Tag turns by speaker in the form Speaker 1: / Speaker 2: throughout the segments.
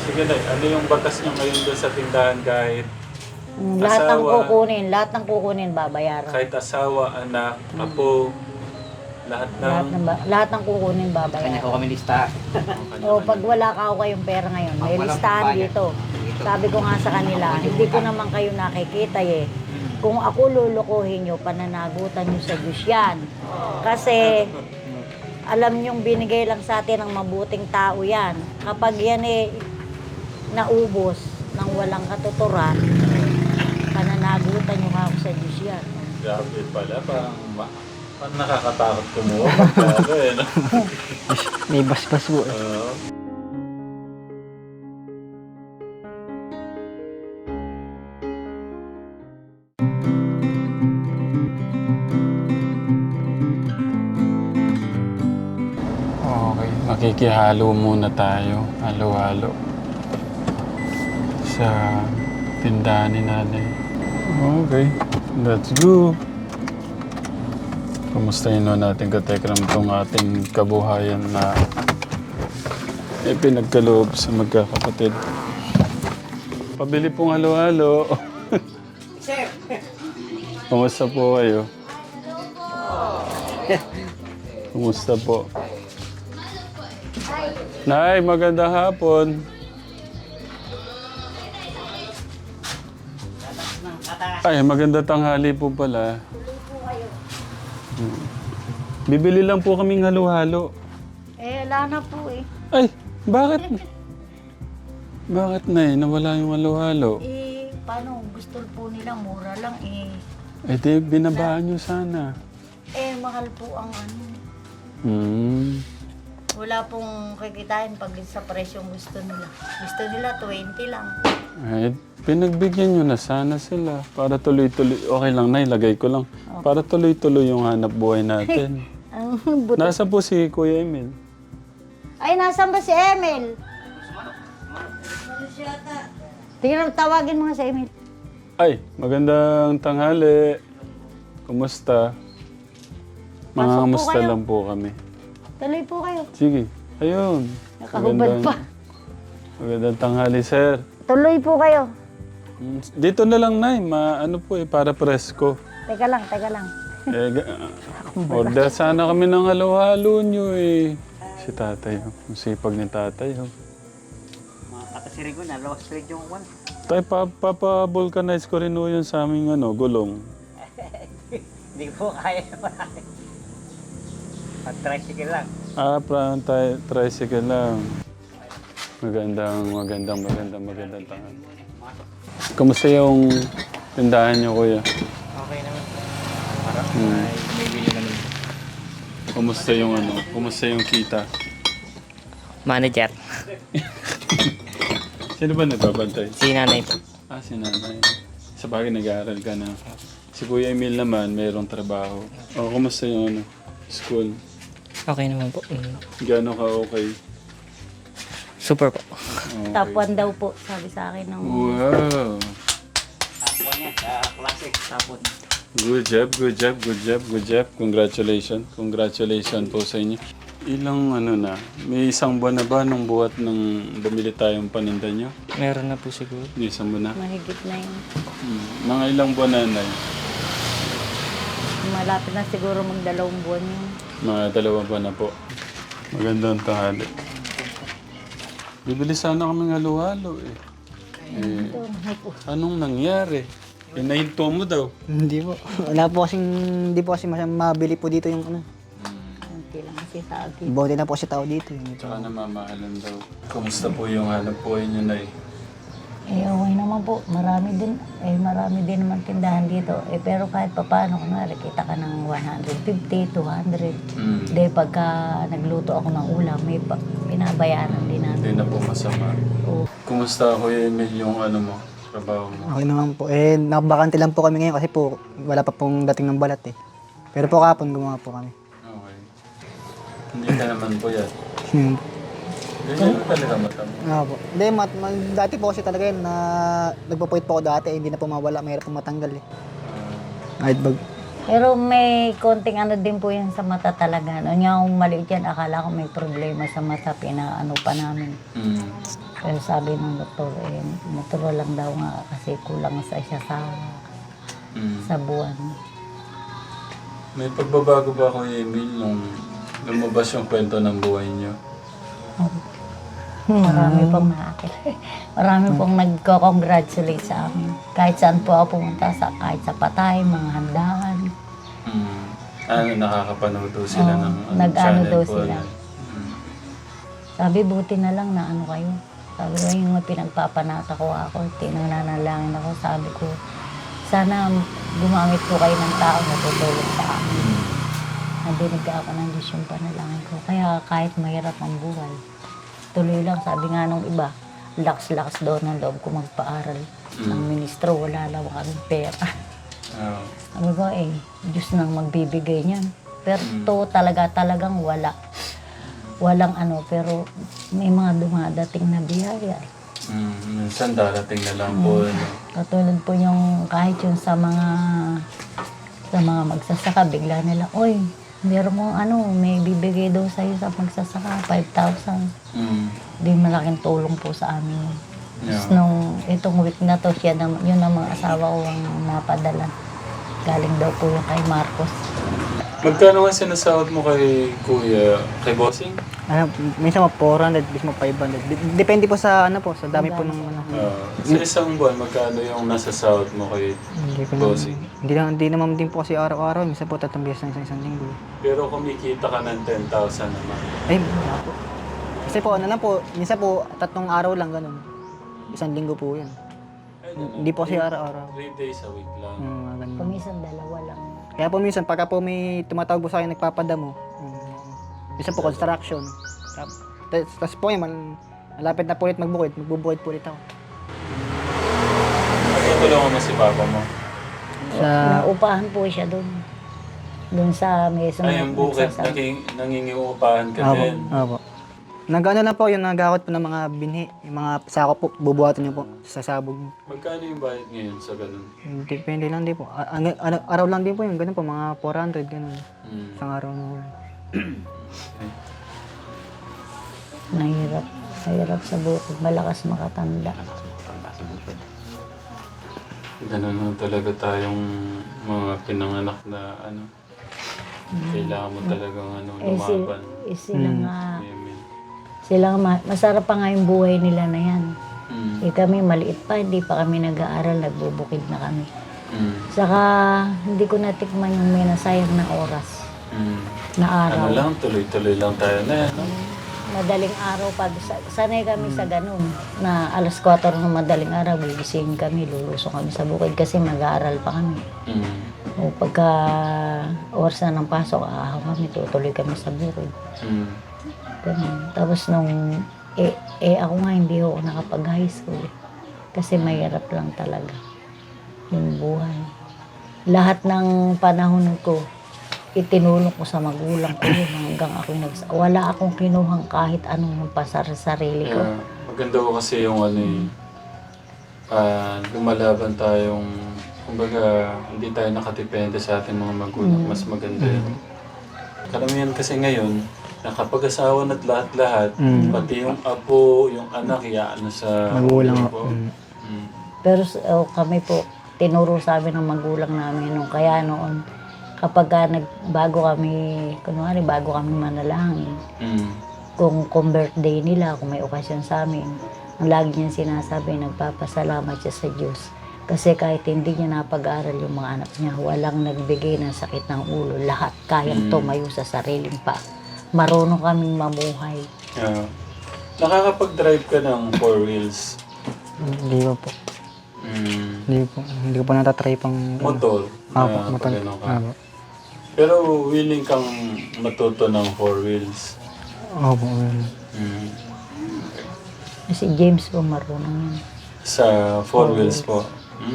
Speaker 1: Sige na, ano yung batas niyo ngayon doon sa tindahan kahit
Speaker 2: Lahat ng
Speaker 1: asawa,
Speaker 2: kukunin babayaran.
Speaker 1: kahit asawa, anak, apo, lahat ng...
Speaker 2: Lahat ng kukunin
Speaker 3: Kanya
Speaker 2: babayaran.
Speaker 3: ko kami lista.
Speaker 2: O pag wala ka ako kayong pera ngayon, may
Speaker 3: Walang
Speaker 2: listahan
Speaker 3: kampanya.
Speaker 2: dito. Sabi ko nga sa kanila, hindi ko naman kayo nakikita eh. Kung ako lulukuhin nyo, pananagutan nyo sa Diyos yan. Kasi alam nyong binigay lang sa atin ng mabuting tao yan. Kapag yan eh naubos ng walang katuturan, pananagutan nyo ako sa Diyos yan.
Speaker 1: Grabe pala, parang nakakatakot kumuha. Pagkado eh, no?
Speaker 3: May basbas po.
Speaker 1: Oo. Okay, makikihalo muna tayo. Halo-halo. Sa tindahan ni nanay. Okay, let's go. Kamustahin na natin katekram itong ating kabuhayan na pinagkaloob sa magkakapatid. Pabili pong halo-halo. Kumusta po kayo? Kumusta po? Nay, magandang hapon. Ay, maganda tanghali po pala. Bibili lang po kaming halo-halo.
Speaker 2: Eh, wala na po eh.
Speaker 1: Ay, bakit? Bakit na nawala yung halo-halo?
Speaker 2: Eh, paano? Gusto po nila, mura lang eh.
Speaker 1: Eh di, binabaan nyo sana.
Speaker 2: Eh, mahal po ang ano. Wala pong kikitain pag sa presyong gusto nila. Gusto nila 20 lang.
Speaker 1: Eh, pinagbigyan nyo na sana sila. Para tuloy-tuloy. Okay lang na, ilagay ko lang. Para tuloy-tuloy yung hanap buhay natin.
Speaker 2: Ang buto.
Speaker 1: Nasa po si Kuya Emil?
Speaker 2: Ay, nasan ba si Emil? Tingnan, tawagin mo nga si Emil.
Speaker 1: Ay, magandang tanghali. Kumusta?
Speaker 2: Pasok po
Speaker 1: Mangangamusta
Speaker 2: kayo.
Speaker 1: lang po kami.
Speaker 2: Tuloy po kayo.
Speaker 1: Sige, ayun.
Speaker 2: Nakahubad pa.
Speaker 1: Magandang tanghali, sir.
Speaker 2: Tuloy po kayo.
Speaker 1: Dito na lang, Nay. Ano po para presko.
Speaker 2: Teka lang, teka lang.
Speaker 1: Order sana kami ng halo-halo nyo eh. Si tatay, ang sipag ni tatay.
Speaker 3: Mga katasirin ko na, lawas trade yung one.
Speaker 1: Tay, papa-vulcanize ko rin yun sa aming gulong.
Speaker 3: Hindi po kaya marami. Pag-tricycle lang.
Speaker 1: Tricycle lang. Magandang tangan. Kamusta yung tindahan nyo, kuya?
Speaker 3: Okay naman. Para may bili naman.
Speaker 1: Kumusta yung kita?
Speaker 3: Manager.
Speaker 1: Sino ba nagbabantay?
Speaker 3: Si nanay po.
Speaker 1: Si nanay. Sa bagay nag-aaral ka na. Si Kuya Emil naman, mayroong trabaho. Kumusta yung school?
Speaker 3: Okay naman po.
Speaker 1: Gano'n ka okay?
Speaker 3: Super po.
Speaker 1: Okay.
Speaker 2: Top 1 daw po, sabi sa akin ng...
Speaker 1: Wow!
Speaker 3: Top 1 yan, sa classic. Top 1.
Speaker 1: Good job. Congratulations po sa inyo. Ilang na, may isang buwan na ba nung buhat nang bumili tayong paninda nyo?
Speaker 3: Meron na po siguro.
Speaker 1: May isang buwan na.
Speaker 2: Mahigit na yun.
Speaker 1: Mga ilang buwan na, Nay?
Speaker 2: Malapit na siguro mag-2 buwan yun.
Speaker 1: Mga 2 buwan na po. Magandang tanghali. Bibili sana kaming halo-halo eh.
Speaker 2: Ito, ay po.
Speaker 1: Anong nangyari? Nahinto mo daw.
Speaker 4: Hindi po. Hindi po kasi mabili po dito yung ano.
Speaker 2: Hindi lang kasi sa akin.
Speaker 4: Bote na po si tao dito.
Speaker 1: Tsaka namamahalan daw. Kumusta po yung hanap buhay niyo, Nay?
Speaker 2: Eh, okay naman po. Marami din naman tindahan dito. Eh, pero kahit papaano, kunwari, kita ka ng 150, 200. Dahil pagka nagluto ako ng ulam, may pinabayaran din natin.
Speaker 1: Hindi na po masama.
Speaker 2: Oo.
Speaker 1: Kumusta, Kuya Emil, yung mo? Trabaho mo?
Speaker 4: Okay naman po. Eh, nakabakante lang po kami ngayon kasi po wala pa pong dating ng balat eh. Pero po kapon gumawa po kami.
Speaker 1: Okay. Hindi ka naman po yan.
Speaker 4: Hmm.
Speaker 1: Ganyan talaga mata mo.
Speaker 4: Po. Hindi, dati po kasi talaga yun na nagpo-point po ako dati, hindi na po mawala, mahirap po matanggal eh. Kahit bag.
Speaker 2: Pero may konting ano din po yan sa mata talaga. Ano niya, kung maliit yan, akala ko may problema sa mata, pinaano pa namin. Pero sabi ng doktor, natural lang daw nga kasi kulang sa siya sa buwan.
Speaker 1: May pagbabago ba, Kuya Emil, nung lumabas yung kwento ng buhay niyo?
Speaker 2: Marami pong marami pong nagko-congratulate sa amin. Kahit saan po ako pumunta, kahit sa patay, mga handaan.
Speaker 1: Nakakapanood daw sila
Speaker 2: Oo,
Speaker 1: ng
Speaker 2: nag-ano
Speaker 1: channel
Speaker 2: daw
Speaker 1: po.
Speaker 2: sila. Sabi, buti na lang na ano kayo. Sabi ko, yung pinagpapanata ko ako, tinananalangin ako. Sabi ko, sana gumamit po kayo ng tao na tutulong sa amin. Nadinig ako ng Diyos yung panalangin ko. Kaya kahit mahirap ang buhay, tuloy lang. Sabi nga nung iba, lakas-lakas daw ng loob ko magpaaral. Ng ministro, wala lang kaming pera. Sabi ko, Diyos nang magbibigay niyan. Pero to talagang wala. Walang ano, pero may mga dumadating na biyaya.
Speaker 1: Minsan darating na lang po.
Speaker 2: Katulad po yung kahit yung sa mga magsasaka, bigla nila, oy, meron mong ano, may bibigay daw sa'yo sa magsasaka, 5,000. Di malaking tulong po sa amin. Tapos nung itong week na to, yun ang mga asawa ko ang mga padala. Galing daw po yung kay Marcos.
Speaker 1: Magkano nga sinasahod mo kay Kuya, kay Bossing?
Speaker 4: Minsan mo 400, minsan mo 500. Depende po sa ano po, sa dami po ng ano.
Speaker 1: Sa isang buwan, magkano yung nasasahod mo kay
Speaker 4: Hindi ko
Speaker 1: Bossing?
Speaker 4: Hindi naman din po kasi araw-araw. Minsan po 3 beses ng isang linggo.
Speaker 1: Pero kumikita ka ng 10,000 naman.
Speaker 4: Ay, wala po. Kasi po, ano lang po, minsan po 3 araw lang ganun. Isang linggo po yan. Hindi po kasi araw-araw.
Speaker 1: 3 days a week lang.
Speaker 4: Ganun.
Speaker 2: Kumisan dalawa lang.
Speaker 4: Kaya po minsan, pagka po may tumatawag po sa akin, nagpapadamo. Minsan po construction. Tapos po yun, malapit na po ulit magbubukid po ulit ako.
Speaker 1: Natutulungan mo si Papa mo?
Speaker 2: Naupahan po siya doon. Doon sa may
Speaker 1: Ay, yung bukid, nangingiupahan ka din.
Speaker 4: Opo. Nag-ano lang po yun, nagakot po ng mga binhi. Yung mga sako po, bubuhatin niyo po sa sabog.
Speaker 1: Magkano yung bayad ngayon sa ganun?
Speaker 4: Depende lang din po. Araw lang din po yun, ganun po, mga 400, ganun. Isang araw na po.
Speaker 2: Mahirap sa bukid, malakas makatanda.
Speaker 1: Ganun lang talaga tayong mga pinanganak na ano. Kailangan mo talagang lumaban.
Speaker 2: Sila nga,
Speaker 1: Amen.
Speaker 2: masarap pa nga yung buhay nila na yan. Kami maliit pa, hindi pa kami nag-aaral, nagbubukid na kami. Saka hindi ko natikman yung may nasayang na oras, na araw.
Speaker 1: Ano lang, tuloy-tuloy lang tayo na.
Speaker 2: Madaling araw pa, sanay kami sa ganun, na alas 4 ng madaling araw, gigising kami, lulusong kami sa bukid kasi mag-aaral pa kami. O pagka oras na ng pasok, kami, tutuloy kami sa bukid. Ganun. Tapos nung, ako nga hindi ako nakapag-high school. Kasi mahirap lang talaga yung buhay. Lahat ng panahon ko, itinulong ko sa magulang ko yun hanggang ako wala akong kinuhang kahit anong pasar sa sarili ko.
Speaker 1: Yeah. Maganda ko kasi yung lumalaban tayong, kumbaga, hindi tayo nakadepende sa ating mga magulang. Mas maganda yun. Karamihan kasi ngayon, nakapag-asawa na't lahat-lahat, pati yung apo, yung anak, sa
Speaker 4: Magulang
Speaker 1: po.
Speaker 2: Pero kami po, tinuro sa amin ng magulang namin nung kaya noon, kapag bago kami manalangin, kung birthday nila, kung may okasyon sa amin, ang lagi niyang sinasabi, nagpapasalamat siya sa Diyos. Kasi kahit hindi niya napag-aral yung mga anak niya, walang nagbigay ng sakit ng ulo. Lahat kayang tumayo sa sariling pa. Marunong kaming mamuhay.
Speaker 1: Yeah. Nakakapag-drive ka ng 4 wheels?
Speaker 4: Hindi ko po. Hindi ko po natatry pang...
Speaker 1: Motor?
Speaker 4: Motor.
Speaker 1: Pero willing kang matuto ng 4 wheels?
Speaker 4: Opo.
Speaker 2: Si James po marunong yan.
Speaker 1: Sa 4 wheels po?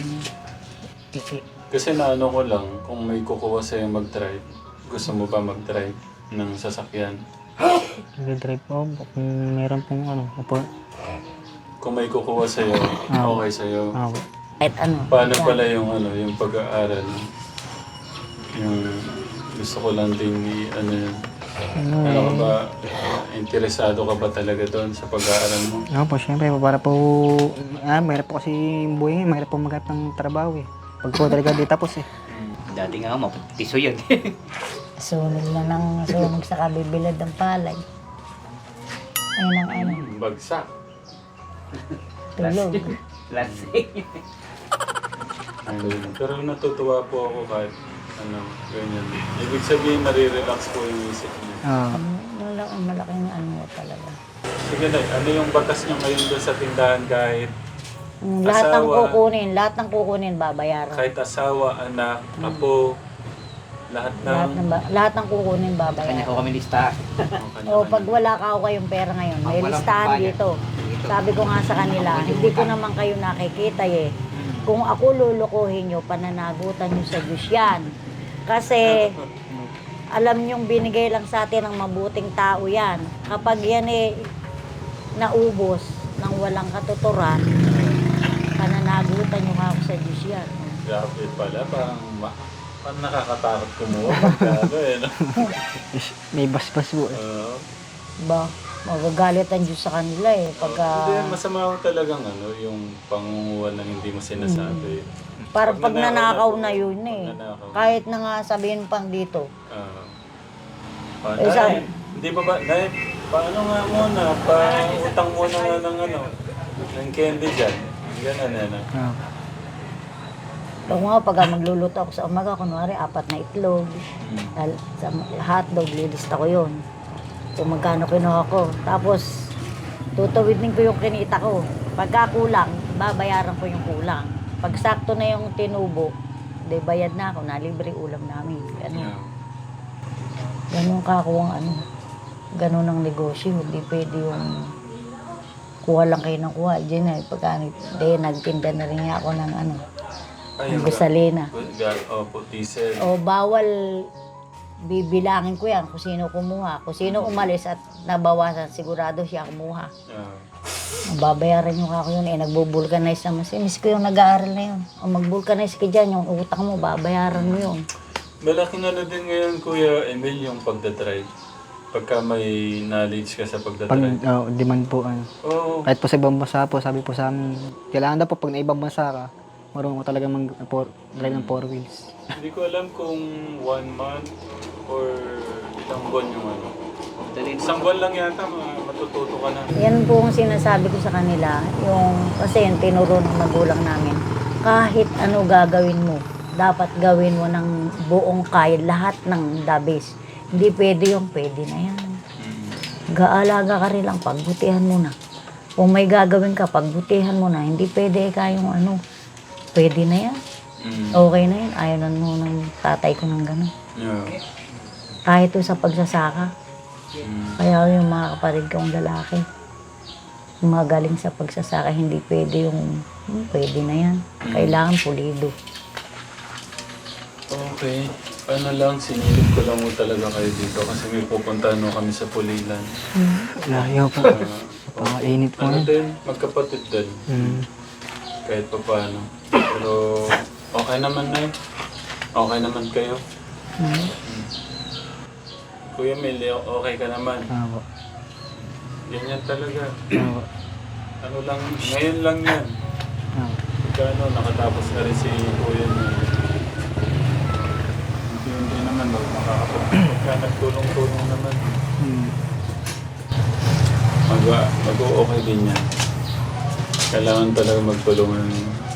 Speaker 1: Kasi naano ko lang, kung may kukuha sa'yo mag-drive, gusto mo ba mag-drive ng sasakyan?
Speaker 4: Nag-drive po. Kung meron pong opo.
Speaker 1: Kung may kukuha sa'yo, okay sa'yo.
Speaker 4: Opo.
Speaker 2: Kahit ano.
Speaker 1: Paano pala yung yung pag-aaral? Yung gusto ko lang din Ano ka ba, interesado ka ba talaga doon sa pag-aaral mo?
Speaker 4: Oo po, syempre, para po, mahirap po kasi yung buhay ngayon, mahirap po maghanap ng trabaho eh. Pag po talaga di tapos eh.
Speaker 3: Dati nga mapagtiso yan.
Speaker 2: Sunog na ng sunog sa kabibilad ng palay. Ayun ang ano,
Speaker 1: Bagsak.
Speaker 2: tulog.
Speaker 3: Plastic.
Speaker 1: Ayun. Pero natutuwa po ako kahit ano, ganyan. Ibig sabihin, nare-relax po yung isip niya.
Speaker 2: Malaking ano talaga.
Speaker 1: Sige na, ano yung batas niyo ngayon doon sa tindahan kahit
Speaker 2: Lahat ng
Speaker 1: Asawa.
Speaker 2: kukunin, babayaran.
Speaker 1: kahit asawa, anak, apo, lahat ng...
Speaker 2: Lahat ng kukunin,
Speaker 3: Kanya
Speaker 2: babayaran.
Speaker 3: ko kami lista.
Speaker 2: O pag wala ka o kayong pera ngayon, may
Speaker 3: Pag walang
Speaker 2: listahan
Speaker 3: bayad.
Speaker 2: dito. Sabi ko nga sa kanila, hindi ko naman kayo nakikita eh. Kung ako lulukuhin nyo, pananagutan nyo sa Diyos yan. Kasi alam nyong binigay lang sa atin ng mabuting tao yan. Kapag yan eh naubos ng walang katuturan, pananagutan nyo ako sa Diyos yan.
Speaker 1: Grabe pala, parang nakakatakot kumuha pagkado eh. No?
Speaker 4: May basbas po eh.
Speaker 2: Ba, magagalit ang Diyos sa kanila eh. Pagka,
Speaker 1: Hindi, masama ko talagang ano, yung pangunguha ng hindi mo sinasabi.
Speaker 2: parang pag nanakaw na
Speaker 1: po,
Speaker 2: yun eh.
Speaker 1: pag nanakaw.
Speaker 2: Kahit na nga sabihin pang dito.
Speaker 1: Ah,
Speaker 2: Eh,
Speaker 1: Nay,
Speaker 2: sa-
Speaker 1: hindi ba ba, Nay, paano nga muna, pa-utang muna nga ng ano, ng candy dyan. Ganun ano.
Speaker 4: Oo.
Speaker 2: Pag mga pag magluluto ako sa umaga, kunwari 4 na itlog, sa hotdog, lilista ko yun. Kung magkano kinuha ko. Tapos, tutuwidin ko yung kinita ko. Pagka kulang, babayaran ko yung kulang. Pag sakto na yung tinubo, de bayad na ako, nalibre ulam namin. Ganun. Ganun kakuwang ano. Ganun ang negosyo. Hindi pwede yung kuha lang kayo ng kuha. Diyan na, pagka nagtinda na rin ako ng ano, ng gusalina.
Speaker 1: Opo, diesel.
Speaker 2: O bawal bibilangin ko yan kung sino kumuha. Kung sino umalis at nabawasan, sigurado siya kumuha. Babayaran nyo ako yun eh, nagbo-vulcanize naman siya. Miss ko yung nag-aaral na yun. O mag-vulcanize ka dyan, yung utang mo, babayaran mo yun.
Speaker 1: Malaking ano din ngayon, Kuya Emil, yung pagdadrive. Pagka may knowledge ka sa
Speaker 4: Pag
Speaker 1: pagdadrive.
Speaker 4: demand po ano.
Speaker 1: Oo.
Speaker 4: Kahit po sa ibang bansa po, sabi po sa amin, kailangan daw po pag na ibang bansa ka, marunong mo talaga mag-drive ng 4 wheels.
Speaker 1: Hindi ko alam kung 1 month or ilang buwan yung ano. Isang buwan lang yata, matututo ka na.
Speaker 2: Yan po ang sinasabi ko sa kanila, kasi yung tinuro ng magulang namin, kahit ano gagawin mo, dapat gawin mo ng buong kaya, lahat ng dabis. Hindi pwede yung pwede na yan. Gaalaga ka rin lang, pagbutihan mo na. Kung may gagawin ka, pagbutihan mo na. Hindi pwede kayong ano, pwede na yan. Okay na yan. Ayaw na mo ng tatay ko ng gano'n.
Speaker 1: Yeah.
Speaker 2: Kahit to sa pagsasaka. Kaya yung mga kapatid kong lalaki, yung mga galing sa pagsasaka, hindi pwede yung, pwede na yan. Kailangan pulido.
Speaker 1: Okay. Ano lang, sinilip ko lang mo talaga kayo dito kasi may pupuntahan mo kami sa Pulilan.
Speaker 4: Layo po. Init po
Speaker 1: Ano
Speaker 4: yan.
Speaker 1: din, magkapatid din. Kahit pa paano. Pero okay naman na Okay naman kayo. Kuya Mel, okay ka naman.
Speaker 4: Oo.
Speaker 1: Ganyan talaga.
Speaker 4: Oo.
Speaker 1: Ano lang, ngayon lang yan.
Speaker 4: Oo.
Speaker 1: Pagka nakatapos na rin si Kuya Mel. Hindi naman, pagka nagtulong-tulong naman. Mag-o-okay din yan. Kailangan talaga magtulungan